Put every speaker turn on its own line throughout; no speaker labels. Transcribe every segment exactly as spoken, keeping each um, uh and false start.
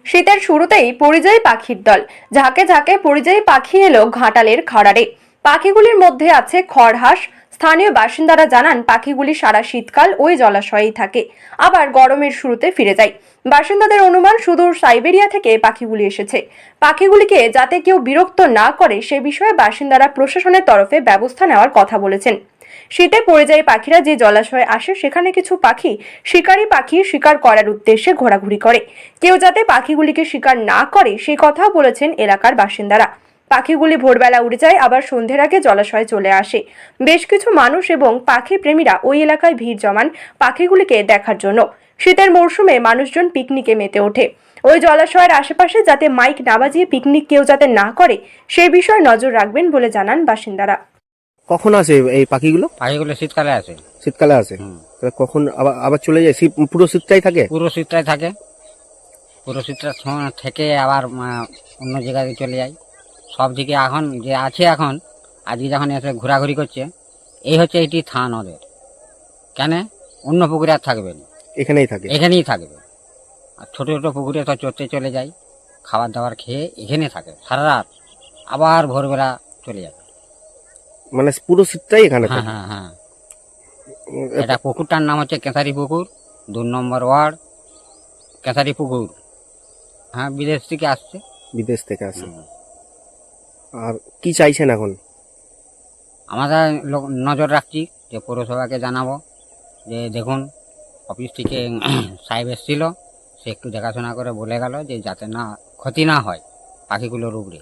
শীতের শুরুতেই পরিযায়ী পাখির দল। ঝাঁকে ঝাঁকে পরিযায়ী পাখি এলো ঘাটালের খাড়ারে। পাখিগুলির মধ্যে আছে খড়হাঁস। স্থানীয় বাসিন্দারা জানান, পাখিগুলি সারা শীতকাল ওই জলাশয়েই থাকে, আবার গরমের শুরুতে ফিরে যায়। বাসিন্দাদের অনুমান, সুদূর সাইবেরিয়া থেকে পাখিগুলি এসেছে। পাখিগুলিকে যাতে কেউ বিরক্ত না করে সে বিষয়ে বাসিন্দারা প্রশাসনের তরফে ব্যবস্থা নেওয়ার কথা বলেছেন। শীতে পরিযায়ী পাখিরা যে জলাশয়ে আসে সেখানে কিছু পাখি শিকারী পাখি শিকার করার উদ্দেশ্যে ঘোরাঘুরি করে। কেউ যাতে পাখিগুলিকে শিকার না করে সেই কথাও বলেছেন এলাকার বাসিন্দারা। পাখিগুলি ভোরবেলা উড়ে যায়, আবার সন্ধ্যের আগে জলাশয়ে চলে আসে। বেশ কিছু মানুষ এবং পাখি প্রেমীরা ওই এলাকায় ভিড় জমান পাখিগুলিকে দেখার জন্য। শীতের মরশুমে মানুষজন পিকনিকে মেতে ওঠে। ওই জলাশয়ের আশেপাশে যাতে মাইক না বাজিয়ে পিকনিক কেউ যাতে না করে সেই বিষয়ে নজর রাখবেন বলে জানান বাসিন্দারা।
কখন আসে এই পাখিগুলো?
পাখিগুলো শীতকালে আসে।
শীতকালে আসে। তাহলে কখন আবার আবার চলে যায়? শীত পুরো শীতটাই থাকে?
পুরো শীতটাই থাকে। পুরো শীতটা সময় থেকে আবার আহ, অন্য জায়গায় চলে যায়। সব দিকে এখন যে আছে, এখন আজকে যখন এসে ঘোরাঘুরি করছে, এই হচ্ছে এটি থান ওদের। কেন অন্য পুকুরে আর থাকবে না,
এখানেই থাকে?
এখানেই থাকবে। আর ছোট ছোট পুকুরে তো চড়তে চলে যায়, খাবার দাবার খেয়ে এখানে থাকে সারা রাত, আবার ভোরবেলা চলে যাবে।
মানে পুরো শীতটাই এখানে
হ্যাঁ
থাকে?
হ্যাঁ হ্যাঁ। এটা পুকুরটার নাম হচ্ছে কেঁথারি পুকুর, দু নম্বর ওয়ার্ড কেঁথারি পুকুর। হ্যাঁ, বিদেশ থেকে আসছে।
বিদেশ থেকে আসে। আর কি চাইছেন এখন?
আমরা লোক নজর রাখছি, যে পৌরসভাকে জানাবো যে দেখুন, অফিস থেকে সাহেব এসেছিল, সে একটু দেখাশোনা করে বলে গেল যে যাতে না ক্ষতি না হয় পাখিগুলোর উপরে।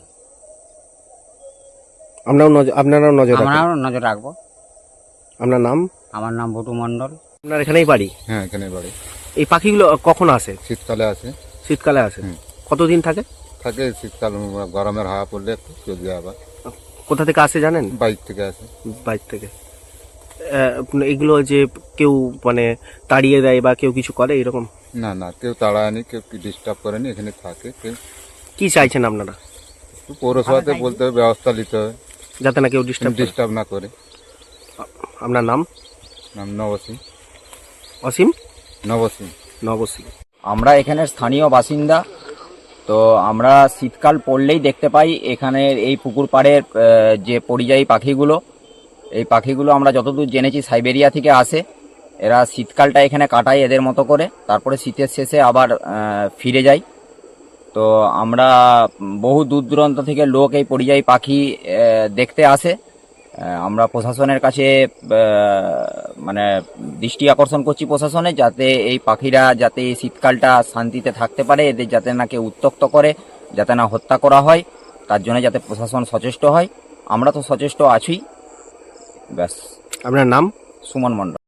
আমরাও নজর আপনারাও নজর রাখবেন?
আমরাও নজর রাখবো।
আপনার নাম?
আমার নাম ভুটু মণ্ডল।
আপনার এখানেই বাড়ি?
হ্যাঁ, এখানে বাড়ি।
এই পাখিগুলো কখন আসে?
শীতকালে আসে।
শীতকালে আসে।
হুম।
কতদিন থাকে?
থাকে শীতকাল, গরমের হাওয়া পড়লে একটু চলে যায়। আবার
কোথা থেকে আসে জানেন?
বাইক থেকে আসে।
বাইরে থেকে। আহ, এগুলো যে কেউ মানে তাড়িয়ে দেয় বা কেউ কিছু করে এরকম?
না না, কেউ তাড়ায়নি, কেউ ডিস্টার্ব করেনি, এখানে থাকে। কেউ
কি চাইছেন আপনারা?
একটু পৌরসভাতে বলতে হবে, ব্যবস্থা নিতে হবে
যাতে না কেউ ডিস্টার্ব
ডিস্টার্ব না করে।
আপনার নাম?
নাম নবসিং।
অসীম?
নবসিং।
নবসী।
আমরা এখানের স্থানীয় বাসিন্দা। তো আমরা শীতকাল পড়লেই দেখতে পাই এখানের এই পুকুর পাড়ের আহ, যে পরিযায়ী পাখিগুলো, এই পাখিগুলো আমরা যতদূর জেনেছি সাইবেরিয়া থেকে আসে। এরা শীতকালটা এখানে কাটায় এদের মতো করে, তারপরে শীতের শেষে আবার আহ, ফিরে যায়। তো আমরা বহু দূর দূরান্ত থেকে লোক এই পরিযায়ী পাখি আহ, দেখতে আসে। আহ, আমরা প্রশাসনের কাছে আহ, মানে দৃষ্টি আকর্ষণ করছি প্রশাসনে, যাতে এই পাখিরা যাতে এই শীতকালটা শান্তিতে থাকতে পারে, এদের যাতে না কেউ উত্ত্যক্ত করে, যাতে না হত্যা করা হয়, তার জন্য যাতে প্রশাসন সচেষ্ট হয়। আমরা তো সচেষ্ট আছি। ব্যাস।
আপনার নাম?
সুমন মণ্ডল।